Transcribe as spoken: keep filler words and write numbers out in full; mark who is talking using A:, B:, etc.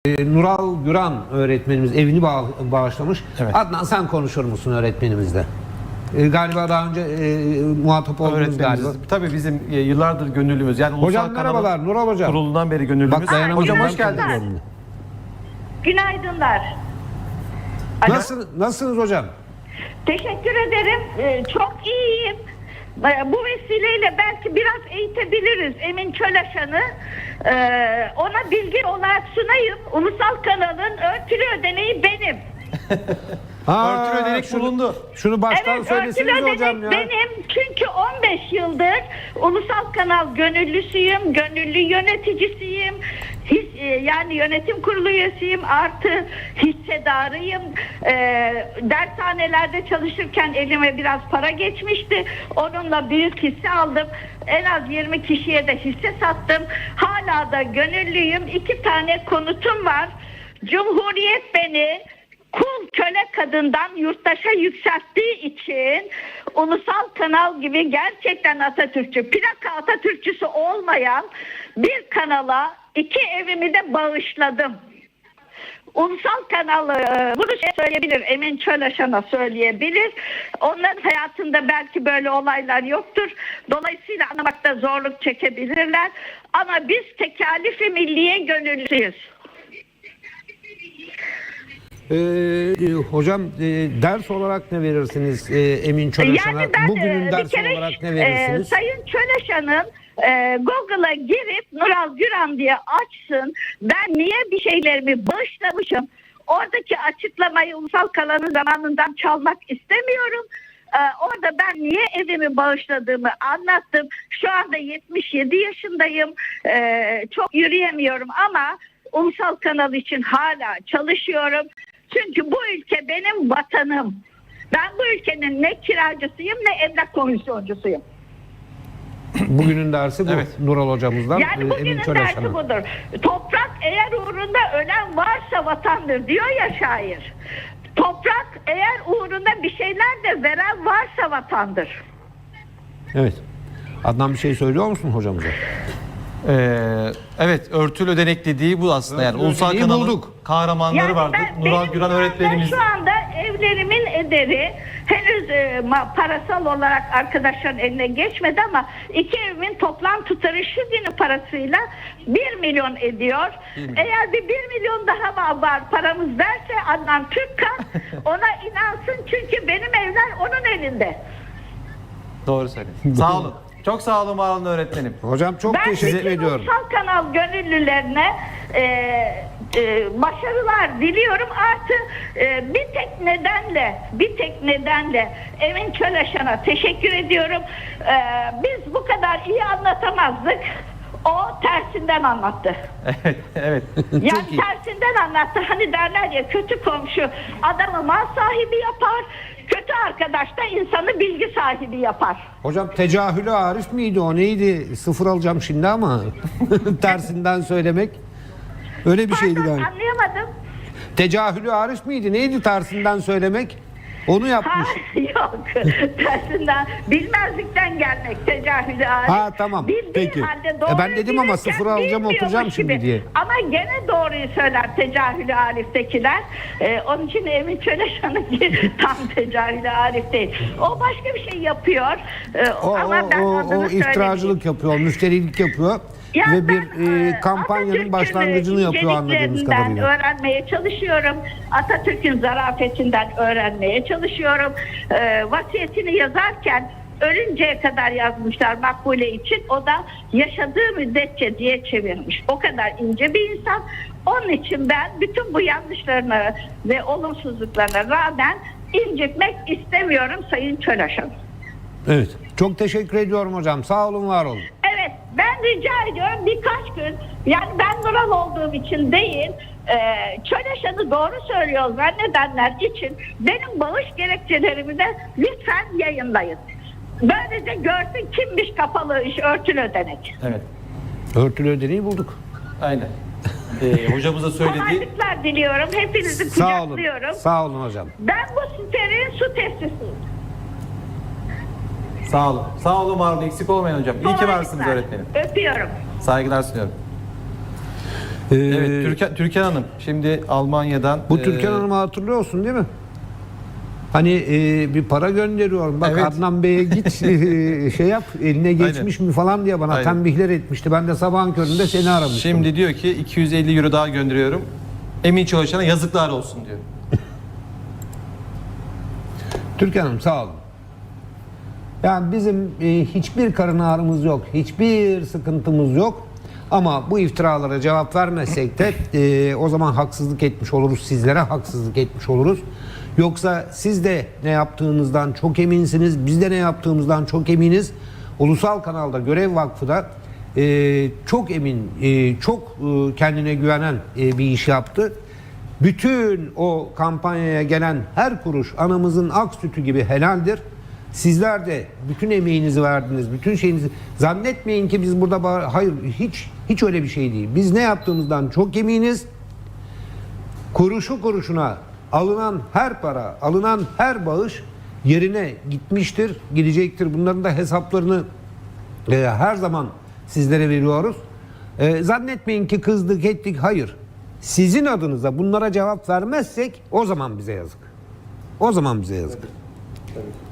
A: Nural Güran öğretmenimiz evini bağ bağışlamış.
B: Evet.
A: Adnan, sen konuşur musun öğretmenimizle? E, galiba daha önce e, muhatap oldunuz galiba.
B: Tabii bizim e, yıllardır gönüllümüz. Yani
A: Hocam
B: Ulusal
A: merhabalar,
B: Kanal'ın
A: Nural Hocam.
B: kurulundan beri gönüllümüz.
A: Bak, dayanamadım.
B: Hocam
A: Ben
B: hoş geldiniz.
A: konuşuyorum.
C: Günaydınlar. Alo.
A: Nasıl, nasılsınız hocam?
C: Teşekkür ederim. Ee, çok iyiyim. Ee, Bu vesileyle belki biraz eğitebiliriz Emin Çölaşan'ı. Ee, ona bilgi olarak sunayım. Ulusal kanalın örtülü ödeneği benim.
A: Ha,
B: Örtülü ödenek
A: şunu-
B: bulundu.
A: Şunu baştan
C: Evet, örtülü
A: söyleseniz
C: ödenek
A: hocam ya.
C: benim. Çünkü on beş yıldır Ulusal Kanal gönüllüsüyüm, gönüllü yöneticisiyim. His, e, yani yönetim kurulu üyesiyim, artı hissedarıyım. E, dershanelerde çalışırken elime biraz para geçmişti. Onunla büyük hisse aldım. En az yirmi kişiye de hisse sattım. Hala da gönüllüyüm. İki tane konutum var. Cumhuriyet beni kul köle kadından yurttaşa yükselttiği için Ulusal Kanal gibi gerçekten Atatürkçü, plaka Atatürkçüsü olmayan bir kanala iki evimi de bağışladım. Ulusal Kanal e, bunu şey söyleyebilir, Emin Çölaşan'a söyleyebilir. Onların hayatında belki böyle olaylar yoktur. Dolayısıyla anlamakta zorluk çekebilirler. Ama biz tekalifi milliye gönüllüyüz.
A: Ee, hocam e, ders olarak ne verirsiniz e, Emin Çölaşan'a?
C: Yani ben
A: Bugünün
C: e,
A: ders
C: bir kere
A: olarak ne
C: e,
A: verirsiniz?
C: Sayın Çölaşan'ın e, Google'a girip Nural Güran diye açsın. Ben niye bir şeylerimi bağışlamışım? Oradaki açıklamayı Ulusal Kanal'ın zamanından çalmak istemiyorum. Ee, orada ben niye evimi bağışladığımı anlattım. Şu anda yetmiş yedi yaşındayım. Ee, çok yürüyemiyorum ama Ulusal Kanal için hala çalışıyorum. Çünkü bu ülke benim vatanım. Ben bu ülkenin ne kiracısıyım ne emlak komisyoncusuyum.
A: Bugünün dersi bu.
B: Evet.
A: Nural hocamızdan
C: Yani
A: e, Emin
C: bugünün dersi
A: Çölaşan'a.
C: budur. Toprak eğer uğrunda ölen varsa vatandır diyor ya şair. Toprak eğer uğrunda bir şeyler de veren varsa vatandır.
A: Evet. Adnan, bir şey söylüyor musun hocamıza?
B: Ee, evet, örtülü ödenek dediği bu aslında. Yani
A: Örtülü
B: Ulusal
A: ödeneği
B: Kanal'ın
A: bulduk.
B: kahramanları vardı.
C: ben-
B: Nural
C: benim
B: Güran
C: şu anda-
B: öğretmenimiz.
C: Şu anda evlerimin ederi henüz e, ma- parasal olarak arkadaşların eline geçmedi ama iki evimin toplam tutarı şu günün parasıyla bir milyon ediyor. Eğer bir bir milyon daha var, var paramız derse Adnan Türkkan ona inansın, çünkü benim evler onun elinde.
B: Doğru söylüyorsun. Sağ olun. Çok sağ olun, var olun öğretmenim.
A: Hocam çok
C: Ben
A: teşekkür
C: bütün
A: ediyorum.
C: Ulusal Kanal gönüllülerine e, e, başarılar diliyorum. Artı e, bir tek nedenle, bir tek nedenle Emin Çölaşan'a teşekkür ediyorum. E, biz bu kadar iyi anlatamazdık. O tersinden anlattı.
B: Evet, evet.
C: Yani
A: iyi.
C: tersinden anlattı. Hani derler ya, kötü komşu adamı mal sahibi yapar, kötü arkadaş da insanı bilgi sahibi yapar.
A: Hocam tecahülü Arif miydi o, neydi? Sıfır alacağım şimdi ama tersinden söylemek. Öyle bir şeydi
C: Pardon,
A: galiba.
C: anlayamadım.
A: Tecahülü Arif miydi? Neydi tersinden söylemek? Onu
C: Ha,
A: yapmış.
C: yok. Tersinden, bilmezlikten gelmek tecahülü Arif.
A: Ha, tamam.
C: Bildiği
A: Peki.
C: halde doğruyu
A: E, ben dedim ama
C: bilirken
A: sıfır alacağım,
C: bilmiyormuş
A: oturacağım şimdi
C: gibi.
A: diye.
C: Ama gene doğruyu söyler tecahülü Arif'tekiler. Ee, onun için Emin Çölaşan'ınki tam tecahülü Arif değil. O başka bir şey yapıyor. Ee,
A: O,
C: ama ben
A: o, o,
C: adını
A: o iftiracılık
C: söylemeyeyim.
A: yapıyor, müşterilik yapıyor
C: Yani
A: ve bir
C: ben,
A: e,
C: e,
A: kampanyanın
C: Atatürk'ün
A: başlangıcını yapıyor anladığımız
C: inceliklerinden
A: kadarıyla.
C: öğrenmeye çalışıyorum. Atatürk'ün zarafetinden öğrenmeye çalışıyorum. Ee, vasiyetini yazarken ölünceye kadar yazmışlar Makbule için. O da yaşadığı müddetçe diye çevirmiş. O kadar ince bir insan. Onun için ben bütün bu yanlışlarına ve olumsuzluklarına rağmen incitmek istemiyorum Sayın Çölaşan.
A: Evet. Çok teşekkür ediyorum hocam. Sağ olun, var olun.
C: Evet, ben rica ediyorum birkaç gün, yani ben Nural olduğum için değil, e, Çölaşan'ı doğru söylüyor zannedenler için benim bağış gerekçelerimi de lütfen yayınlayın. Böylece görsün kimmiş kapalı iş, örtülü ödenek.
B: Evet.
A: Örtülü ödeneği bulduk.
B: Aynen. Ee, hocamıza söyledi.
C: Kolaylıklar diliyorum, hepinizi
A: Sağ olun.
C: kucaklıyorum.
A: Sağ olun hocam.
C: Ben bu sitenin su testisiyim.
B: Sağ olun. Sağ olun, var olun. Eksik olmayın hocam. İyi ki varsınız
C: Kolaylıklar.
B: öğretmenim.
C: Öpüyorum.
B: Saygılar sunuyorum.
A: Ee,
B: Evet, Türkan, Türkan Hanım şimdi Almanya'dan...
A: Bu
B: e,
A: Türkan Hanım'ı hatırlıyorsun değil mi? Hani e, bir para gönderiyorum. Bak
B: Evet.
A: Adnan Bey'e git e, şey yap eline geçmiş mi falan diye bana
B: Aynen.
A: tembihler etmişti. Ben de sabahın köründe seni aramıştım.
B: Şimdi diyor ki iki yüz elli euro daha gönderiyorum. Emin Çalışan'a yazıklar olsun diyor.
A: Türkan Hanım sağ olun. Yani bizim e, hiçbir karın ağrımız yok. Hiçbir sıkıntımız yok. Ama bu iftiralara cevap vermezsek de e, o zaman haksızlık etmiş oluruz. Sizlere haksızlık etmiş oluruz. Yoksa siz de ne yaptığınızdan çok eminsiniz. Biz de ne yaptığımızdan çok eminiz. Ulusal Kanal'da Görev Vakfı da e, çok emin, e, çok e, kendine güvenen e, bir iş yaptı. Bütün o kampanyaya gelen her kuruş anamızın ak sütü gibi helaldir. Sizler de bütün emeğinizi verdiniz, bütün şeyinizi zannetmeyin ki biz burada bağır- hayır hiç hiç öyle bir şey değil. Biz ne yaptığımızdan çok eminiz. Kuruşu kuruşuna alınan her para, alınan her bağış yerine gitmiştir, gidecektir. Bunların da hesaplarını e, her zaman sizlere veriyoruz. E, zannetmeyin ki kızdık, ettik. Hayır. Sizin adınıza bunlara cevap vermezsek o zaman bize yazık. O zaman bize yazık.
D: Tabii.